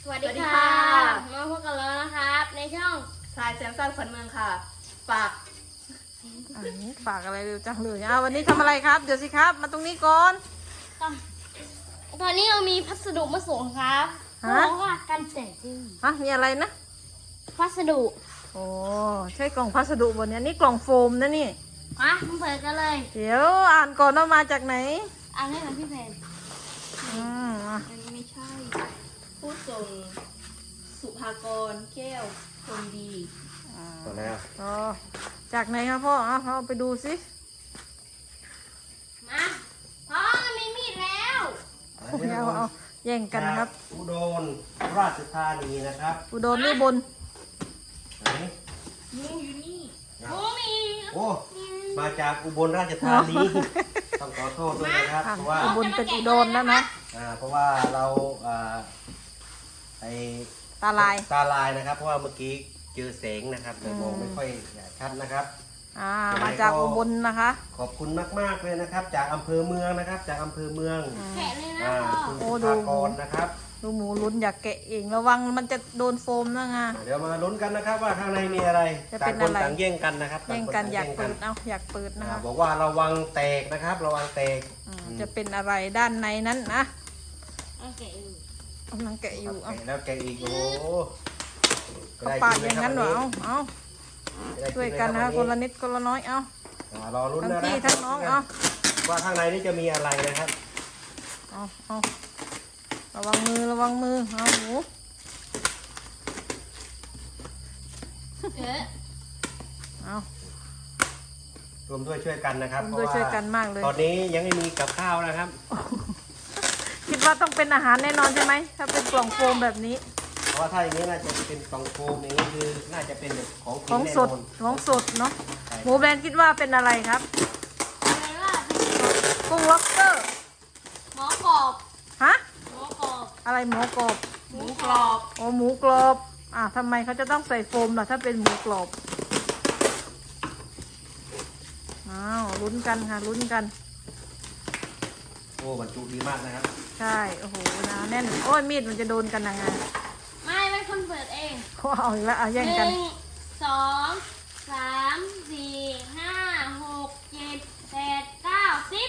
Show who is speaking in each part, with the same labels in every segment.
Speaker 1: สวัสดีค่ะมาพบกันแล้วนะครับในช่อง
Speaker 2: ทรายแซมสันขวัญเมืองค่ะฝาก
Speaker 3: ฝากอะไรเร็วจังเลยวันนี้ทำอะไรครับเดี๋ยวสิครับมาตรงนี้ก่อน
Speaker 1: ตอนนี้เรามีพัสดุมาส่งครับเพราะว่ากันแตกดื้อ
Speaker 3: มีอะไรนะ
Speaker 1: พัสดุ
Speaker 3: โอ้ใช่กล่องพัสดุบนนี้นี่กล่องโฟมนะนี่
Speaker 1: มาเปิดกันเลย
Speaker 3: เดี๋ยวอ่านก่อนว่ามาจากไหน
Speaker 1: อ่านให้หน่อยพี่เพน
Speaker 3: อ่ะ
Speaker 2: อันนี้ไม่ใช่ ผู้ส่งสุภากรแก้วคนดี
Speaker 4: ต่อแล้ว
Speaker 3: อ๋อจากไหนครับพ่อเอาไปดูสิ
Speaker 1: มาพ่อมันมีมีดแล้ว
Speaker 3: เอาแย่งกันครับ
Speaker 4: อุดรราชธานีนะครับ
Speaker 3: อุดรนี่บน
Speaker 4: ไหน
Speaker 2: งูอยู่นี่
Speaker 1: โอ้มี
Speaker 4: โอ้มาจากอุบลราชธานีต้องขอโทษด้วยนะครับเพราะว่า
Speaker 3: อุบลเป็นอุดรแล้วนะ
Speaker 4: เพราะว่าเราไอ
Speaker 3: ตาลาย
Speaker 4: ตาลายนะครับ เพราะว่าเมื่อกี้เจอแสงนะครับเลยมองไม่ค่อยชัดนะครับ
Speaker 3: มาจากอุบลนะคะ
Speaker 4: ขอบคุณมากๆเลยนะครับ จากอำเภอเมืองนะครับ จากอำเภอเมือง
Speaker 1: แกะเลยนะ
Speaker 4: คุณ
Speaker 1: พ่อ
Speaker 4: สุภากรนะครับ
Speaker 3: ดูหมูลุ้นอยากแกะเองระวังมันจะโดนโฟมนะไง
Speaker 4: เดี๋ยวมาลุ้นกันนะครับว่าข้างในมีอะไร
Speaker 3: จะ
Speaker 4: ต่า
Speaker 3: เป็
Speaker 4: ง
Speaker 3: น
Speaker 4: คน
Speaker 3: อะไร
Speaker 4: ต่างแย่งกันนะครับ
Speaker 3: แย่งกัน
Speaker 4: ต่
Speaker 3: อยาก
Speaker 4: ค
Speaker 3: เปิด
Speaker 4: แย่ง
Speaker 3: อยากเปิดนะคะ
Speaker 4: บอกว่าระวังแตกนะครับ ระวังแตก
Speaker 3: จะเป็นอะไรด้านในนั้นนะ
Speaker 1: เอาแกะอยู่
Speaker 3: กำลังแกะอยู่
Speaker 4: แกะแล้วแกะอีกโอ้โห
Speaker 3: ก็ปาดอย่างนั้นเหรอเอา
Speaker 4: ได้
Speaker 3: ช่วยกันนะคนละนิดคนละน้อยเอา
Speaker 4: รอลุ้น
Speaker 3: ทั้ง
Speaker 4: นะ
Speaker 3: พี่ทั้งน้องเอา
Speaker 4: ว่าข้างในนี่จะมีอะไรนะครับ
Speaker 3: เอาระวังมือเอาหมู เอา
Speaker 4: รวมด้วยช่วยกันนะครับ
Speaker 3: รวมด้วยช่วยกันมากเลย
Speaker 4: ตอนนี้ยังไม่มีกับข้าวนะครับ
Speaker 3: คิดว่าต้องเป็นอาหารแน่นอนใช่ไหมถ้าเป็นกล่องโฟมแบบนี้
Speaker 4: เพราะว่าถ้าอย่างนี้น่าจะเป็นกล่องโฟมอย่างนี้คือน่าจะเป็นแบบของ
Speaker 3: ของ
Speaker 4: แน่
Speaker 3: สด
Speaker 4: นอน
Speaker 3: ของสดเนาะ
Speaker 4: ใช่
Speaker 3: หมูแบรนด์คิดว่าเป็นอะไรครับ
Speaker 1: อะไรล่ะ
Speaker 3: กุ้งล็อบสเตอร์
Speaker 1: หมอกรอบ
Speaker 3: ฮะ
Speaker 1: หมอกรอบ
Speaker 3: อะไรหมูกรอบ
Speaker 2: หมูกรอบ
Speaker 3: โอ้หมูกรอบทำไมเขาจะต้องใส่โฟมล่ะถ้าเป็นหมูกรอบลุ้นกันค่ะลุ้นกัน
Speaker 4: โอ้บรรจุดีมากนะครับ
Speaker 3: ใช่โอ้โหนะแน่นโอ้ยมีดมันจะโดนกันยังไง
Speaker 1: ไม่เป็นคนเปิดเอง
Speaker 3: เขาเอาอีกแล้วแย่ง
Speaker 1: ห
Speaker 3: กัน
Speaker 1: นึ่งสองสามสี่ห้าหกเจ็ดแปดเก้าสิบ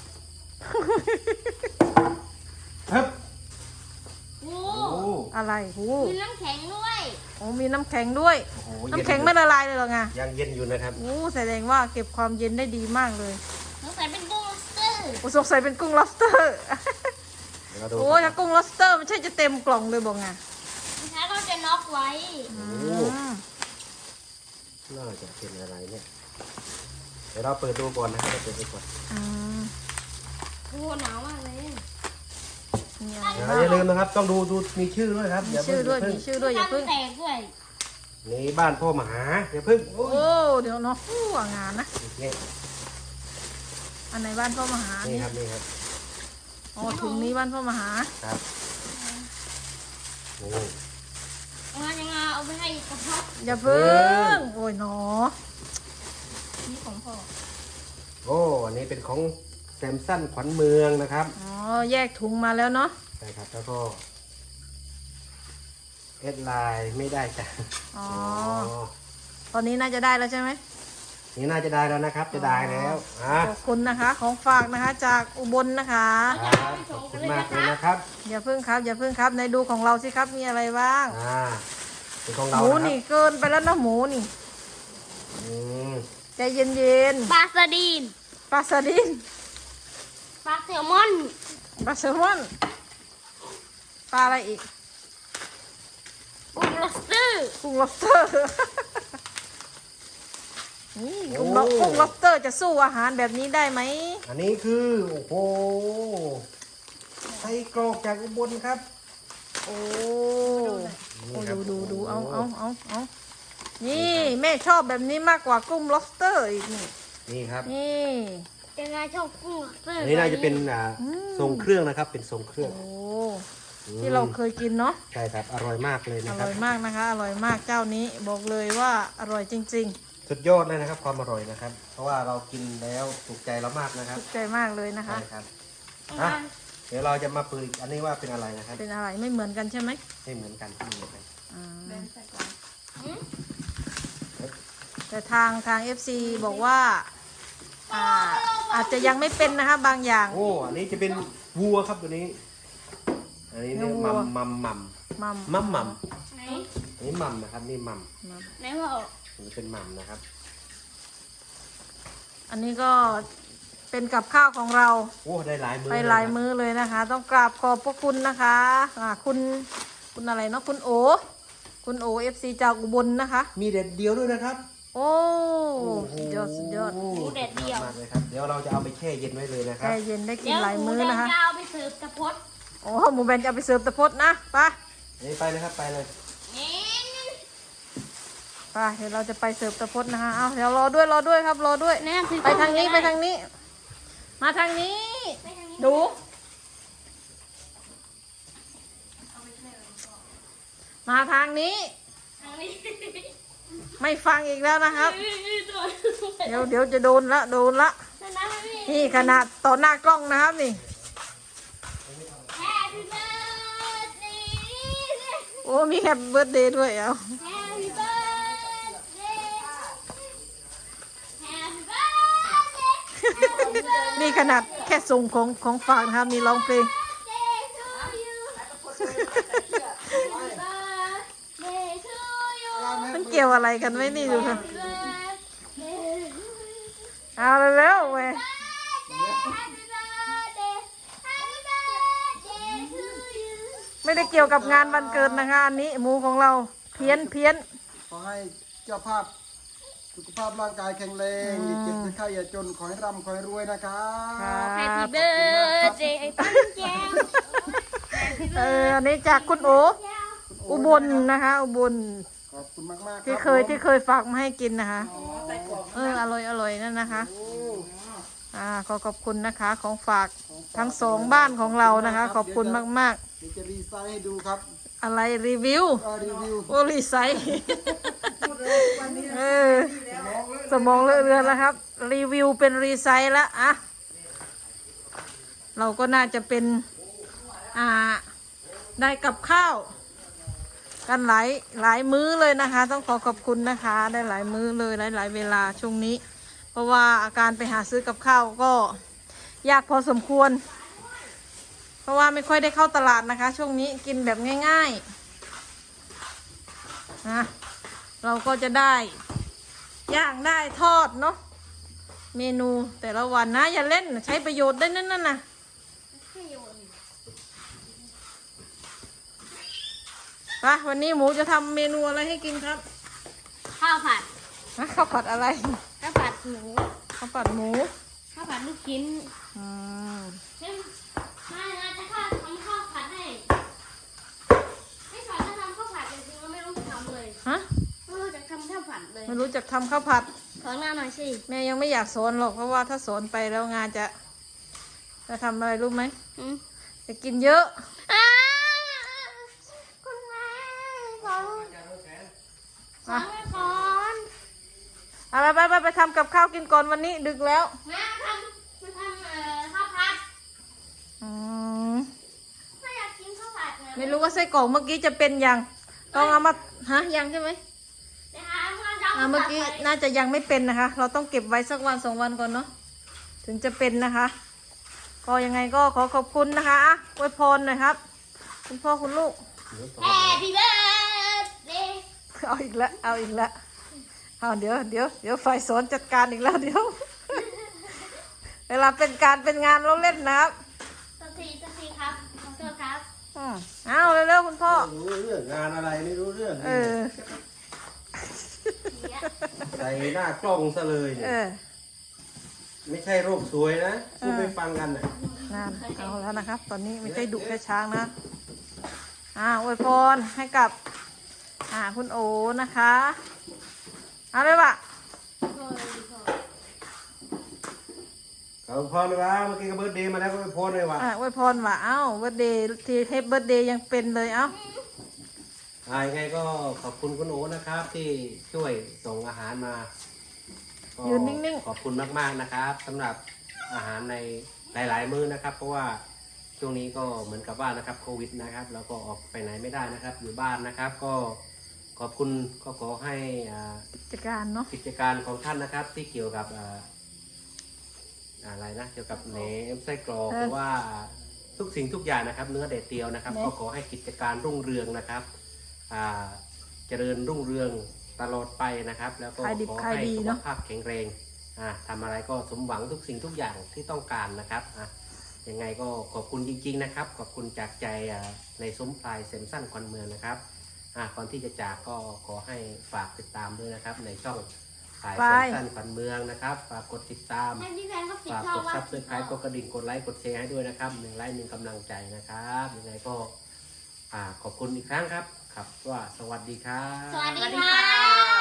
Speaker 4: ครับ
Speaker 1: โอ้
Speaker 4: โอ้
Speaker 3: อะไรหู
Speaker 1: มีน้ำแข็งด้วย
Speaker 3: โอ้มีน้ำแข็งด้วย
Speaker 4: โอ้โห
Speaker 3: น้ำแข็งไม่ละลายเลยเหรอไง
Speaker 4: ยังเย็นอยู่นะครับ
Speaker 3: โอ้แสดงว่าเก็บความเย็นได้ดีมากเลย
Speaker 1: สงสัยเป็นกุ้งล็อบสเตอร์
Speaker 3: โอ้สงสัยเป็นกุ้ง lobster
Speaker 4: เดี๋ยวเราดู
Speaker 3: โอ้ถ้ากุ้ง lobster มันใช่จะเต็มกล่องเลยบอกไง
Speaker 1: ถ้าก็จะน็อกไว้
Speaker 4: โอ้
Speaker 3: อืม
Speaker 4: น่าจะเป็นอะไรเนี่ย เดี๋ยวเราเปิดดูก่อนนะครับเราเปิดดูก่อน
Speaker 3: อืม
Speaker 1: โอ้หนาวมากเลย
Speaker 3: มีอะไร
Speaker 4: อย่าลืมนะครับ ต้องดูมีชื่อด้วยครับ
Speaker 3: มีชื่อด้วยมีชื่อด้วยอย่าเพิ่ง
Speaker 1: แตกด้วย
Speaker 4: นี่บ้านพ่อมหาอย่าเพิ่งโอ้
Speaker 3: โอ้เดี๋ยวเนาะว่างานนะ
Speaker 4: นี่
Speaker 3: อันไหนบ้านพ่อมหา
Speaker 4: นี่
Speaker 3: นี่
Speaker 4: ครับนี่ครับ
Speaker 3: อ๋อถุงนี้บ้านพ่อมหา
Speaker 4: ครับโอ้
Speaker 1: งานยังไงเอาไปให้กระเพาะ
Speaker 3: อย่าเพิ่งโอ้ยหนอ
Speaker 1: นี่ของพ่อ
Speaker 4: โอ้อันนี้เป็นของแซมสันขวัญเมืองนะครับ
Speaker 3: อ๋อแยกถุงมาแล้วเนาะ
Speaker 4: ใช่ครับแล้วก็เอสไลน์ไม่ได้จ้ะ
Speaker 3: อ๋อตอนนี้น่าจะได้แล้วใช่ไหม
Speaker 4: นี่น่าจะได้แล้วนะครับ จะได้แล้วอ่ะ
Speaker 3: ขอบคุณนะคะของฝากนะคะจากอุบลนะคะ
Speaker 4: ครับขอบคุณมากเลยนะครับ
Speaker 3: อย่าเพิ่งครับอย่าเพิ่งครับในดูของเราสิครับมีอะไรบ้าง
Speaker 4: เป็นของ
Speaker 3: ห
Speaker 4: เรา
Speaker 3: มู
Speaker 4: นะค
Speaker 3: นี่
Speaker 4: รับ
Speaker 3: เกินไปแล้วนะหมูนี่
Speaker 4: อืม
Speaker 3: ใจเย็น
Speaker 1: ปลาสดีน
Speaker 3: ๆปลาสลิด
Speaker 1: ปลาแซลมอน
Speaker 3: ปลาแซลมอนปลาอะไรอีก
Speaker 1: กุ้งล็อบสเตอร์
Speaker 3: กุ้ง lobster นี่กุ้งlobster จะสู้อาหารแบบนี้ได้ไหม
Speaker 4: อันนี้คือโอ้โหไส้กรอกจากอุบลครับ
Speaker 3: โอ้
Speaker 4: นี่
Speaker 3: โอ้
Speaker 4: ครับ
Speaker 3: ดูเอานี่แม่ชอบแบบนี้มากกว่ากุ้ง lobster อีกนี่
Speaker 4: นี่ครับ
Speaker 3: นี่
Speaker 1: ยังไงชอบกุ้งล็อบสเตอร์
Speaker 4: อันนี้น่าจะเป็นทรงเครื่องนะครับ เป็นทรงเครื่อง
Speaker 3: โอ้ที่เราเคยกินเนาะ
Speaker 4: ใช่ครับ อร่อยมากเลย
Speaker 3: อ
Speaker 4: นะครั
Speaker 3: ร่
Speaker 4: บ
Speaker 3: อยมากนะคะอร่อยมากเจ้านี้บอกเลยว่าอร่อยจริง
Speaker 4: สุดยอดเลยนะครับ ความอร่อยนะครับ เพราะว่าเรากินแล้วถูกใจเรามากนะค
Speaker 3: ๆ
Speaker 4: รับ
Speaker 3: ถูกใจมากเลยนะคะ
Speaker 4: ใช่ครับ
Speaker 1: อ่ะ
Speaker 4: เดี๋ยวเราจะมาเปิดอีกอันนี้ว่าเป็นอะไรนะครับ
Speaker 3: เป็นอะไรไม่เหมือนกันใช่ไหม
Speaker 4: ไม่เหมือนกันไม่เหมือนกัน
Speaker 3: อ่า
Speaker 2: แบนใส่ก่อน
Speaker 3: แต่ทาง FC บอกว่าอาจจะยังไม่เป็นนะคะบางอย่าง
Speaker 4: โอ้อันนี้จะเป็นวัวครับตัวนี้ อันนี้เนี่ย
Speaker 3: วัว
Speaker 4: มัม
Speaker 3: มัม
Speaker 1: ไหน
Speaker 4: อันนี้มัมนะครับนี่มัม
Speaker 1: ไหนพ่อ
Speaker 4: อันนี้เป็นมัมนะครับ
Speaker 3: อันนี้ก็เป็นกับข้าวของเรา
Speaker 4: โอ้ได้หลายมือ
Speaker 3: ไปหลายมื้อเลยนะคะ ต้องกราบขอบพระคุณนะคะคุณอะไรเนาะคุณโอ FC จากอุบลนะคะ
Speaker 4: มีเด็ดเดียวด้วยนะครับ
Speaker 3: โอ้สุดยอดสุดยอด
Speaker 4: หมูเด็ดเดียวมากเลยครับเดี๋ยวเราจะเอาไปแช่เย็นไว้เลยนะครั
Speaker 3: แช่
Speaker 4: บ
Speaker 3: เย็นได้กิน
Speaker 1: เดี๋ยว
Speaker 3: หลาย
Speaker 1: หมู
Speaker 3: มื้อ
Speaker 1: แดง
Speaker 3: นะคะ
Speaker 1: จะเอาไปเสิร์ฟตะพด
Speaker 3: โอ้หมูแบนจะเอาไปเสิร์ฟตะพดนะไป
Speaker 4: นี่ไปเลยครับไปเลย
Speaker 1: นี่
Speaker 3: ไปเดี๋ยวเราจะไปเสิร์ฟตะพดนะคะเอาเดี๋ยวรอด้วยครับรอด้วย
Speaker 1: แน่คือ
Speaker 3: ไปทางนี้ไปทางนี้ มาทางนี้
Speaker 1: ไปทางนี้
Speaker 3: ดู มาทางนี้
Speaker 1: ทางนี้
Speaker 3: ไม่ฟังอีกแล้วนะครับ
Speaker 1: ตัว
Speaker 3: เดี๋ยวจะโดนละ
Speaker 1: นั่นนะพี่
Speaker 3: นี่ขนาดต่อหน้ากล้องนะครับนี่
Speaker 1: Happy birthday
Speaker 3: โอ้มีแฮปปี้เบิร์ดเดย์ด้วยเอา
Speaker 1: Happy birthday Happy birthday Happy birthday
Speaker 3: นี่ขนาดแค่ส่งของฝากนะครับนี่ร้องเพลง
Speaker 1: to you Happy birthday to you
Speaker 3: มันเกี่ยวอะไรกันไหมนี่ดูค่ะ
Speaker 1: Happy birthday
Speaker 3: เอาเร็วๆเว้ย
Speaker 1: Happy birthday Happy birthday to you
Speaker 3: ไม่ได้เกี่ยวกับงานวันเกิดนะคะอันนี้หมูของเราเพี้ยน
Speaker 5: ขอให้เจ้าภาพสุขภาพร่างกายแข็งแรงอย่าเจ็บอย่าไข้อย่าจน ขอให้ร่ำขอให้รวยนะครับ
Speaker 1: Happy birthday ไอ้ปั้นแก้ว
Speaker 3: อันนี้จากคุณโออุบลนะคะ อุบล
Speaker 5: ขอบคุณมากๆ
Speaker 3: ที่เคยฝากมาให้กินนะคะอร่อยนั่นนะคะขอบคุณนะคะของฝากทั้งสองบ้านของเรานะคะ ขอบคุณมาก
Speaker 5: เดี๋ยวจะรีไซน์ให้ดูครับ
Speaker 3: ๆ อะไรรีวิว
Speaker 5: รีวิว
Speaker 3: โอรีไซต์สมองเลอะเรือนแล้วครับ รีวิวเป็นรีไซต์แล้วอะเราก็น่าจะเป็นได้กับข้าว กันหลายมื้อเลยนะคะ ต้องขอบคุณนะคะ ได้หลายมื้อเลยหลายเวลาช่วงนี้ เพราะว่าอาการไปหาซื้อกับข้าวก็ยากพอสมควร เพราะว่าไม่ค่อยได้เข้าตลาดนะคะ ช่วงนี้กินแบบง่ายๆนะเราก็จะได้ย่างได้ทอดเนาะเมนูแต่ละวันนะอย่าเล่นใช้ประโยชน์ได้นั่นนะไปวันนี้หมูจะทำเมนูอะไรให้กินครับ
Speaker 1: ข้าวผัด
Speaker 3: ข้าวผัดอะไร
Speaker 1: ข้าวผัดหมู
Speaker 3: ข้าวผัดหมู
Speaker 1: ข้าวผัดลูกชิ้น
Speaker 3: อืม
Speaker 1: เฮ้ยมาจะทำข้าวผัดให้ไม่สอนจะทำข้าวผัดจริงๆแล้วไม่รู้จะทำเลย
Speaker 3: ฮะ
Speaker 1: ไม่รู้จะทำข้าวผัดเลย
Speaker 3: ไม่รู้จักทำข้าวผัด
Speaker 1: สอนงานหน่อยสิ
Speaker 3: แม่ยังไม่อยากสอนหรอกเพราะว่าถ้าสอนไปแล้วงานจะทำอะไรรู้ไหม
Speaker 1: อืม
Speaker 3: จะกินเยอะ
Speaker 1: คุณแม่สอนสอนไม่ก่อน
Speaker 3: เอาไปทำกับข้าวกินก่อนวันนี้ดึกแล้ว
Speaker 1: แม่ทำข้าวผัด
Speaker 3: อืม
Speaker 1: ไม่อยากกินข้าวผัดนะ
Speaker 3: ไม่รู้ว่าไส้กรอกเมื่อกี้จะเป็นยังต้องเอามายังใช่ไหม
Speaker 1: เดี๋ยวหาเพื่อนจะา
Speaker 3: เมื่อกี้น่าจะยังไม่เป็นนะคะ เราต้องเก็บไว้สักวัน2 วันก่อนเนาะถึงจะเป็นนะคะ ก็ยังไงก็ขอบคุณนะคะอวยพรหน่อยครับ คุณพ่อคุณลูก
Speaker 1: แฮปปี้เบิร์ดเดย์
Speaker 3: เอาอีกแล้วเอาเดี๋ยวฝ่ายสอนจัดการอีกแล้วเดี๋ยว เวลาเป็นการเป็นงานเราเล่นนะครับ
Speaker 1: สักทีครับขอโทษครับ
Speaker 3: เอาเร็วๆคุณพ่อ
Speaker 4: รู้เรื่องงานอะไรไม่รู้เรื่อง ใส่หน้ากล้องซะเลยเนี่ยไม่ใช่โรคสวยนะพูดไม่ฟังกันน่ะ
Speaker 3: นั่นเอาแล้วนะครับ ตอนนี้ไม่ใช่ดุแค่ช้างนะอวยพรให้กับคุณโอนะคะเอาเลยว่ะ
Speaker 4: ขอบพรเลยว่าเมื่อกี้ก็เบิร์ดเดย์มาแล้วก็ไปโพสเลยว่ะ
Speaker 3: อวยพรว่ะเอ้าเบิร์ดเดย์ทีเทปเบิร์ดเดย์ยังเป็นเลยเอ้า
Speaker 4: ยังไงก็ขอบคุณคุณโอนะครับที่ช่วยส่งอาหารมาก็
Speaker 3: ยืนนิ่ง
Speaker 4: ขอบคุณมากๆนะครับสำหรับอาหารในหลายๆมื้อนะครับ เพราะว่าช่วงนี้ก็เหมือนกับว่านะครับโควิดนะครับแล้วก็ออกไปไหนไม่ได้นะครับ อยู่บ้านนะครับ ก็ขอบคุณก็ขอให้
Speaker 3: กิจการเนาะ
Speaker 4: กิจการของท่านนะครับที่เกี่ยวกับอะไรนะเกี่ยวกับแหนมไส้กรอกหรือว่าทุกสิ่งทุกอย่างนะครับ เนื้อแดดเดียวนะครับ ก็ขอให้กิจการรุ่งเรืองนะครับเจริญรุ่งเรืองตลอดไปนะครับ แล้วก็ขอให้สุขภาพแข็งแรงทำอะไรก็สมหวังทุกสิ่งทุกอย่างที่ต้องการนะครับยังไงก็ขอบคุณจริงๆนะครับขอบคุณจากใจในซุ้มพลายเซมสั้นควันเมืองนะครับก่อนที่จะจากก็ขอให้ฝากติดตามด้วยนะครับในช่องพลายเซมสั้นควันเมืองนะครับฝากกดติดตาม
Speaker 1: ให้พี่แฟนเขาปิด
Speaker 4: ฝาก
Speaker 1: ช่อก ง
Speaker 4: ด
Speaker 1: ว่า
Speaker 4: ซับสไครต์กดกระดิ่งกดไลค์กดแชร์ให้ด้วยนะครับ1 ไลค์ 1 กำลังใจนะครับยังไงก็ขอบคุณอีกครั้งครับว่าสวัสดีครับ
Speaker 1: สวัส
Speaker 2: ส
Speaker 1: ดี
Speaker 2: วัสดี
Speaker 1: ค่
Speaker 2: ค่ะ
Speaker 1: ะ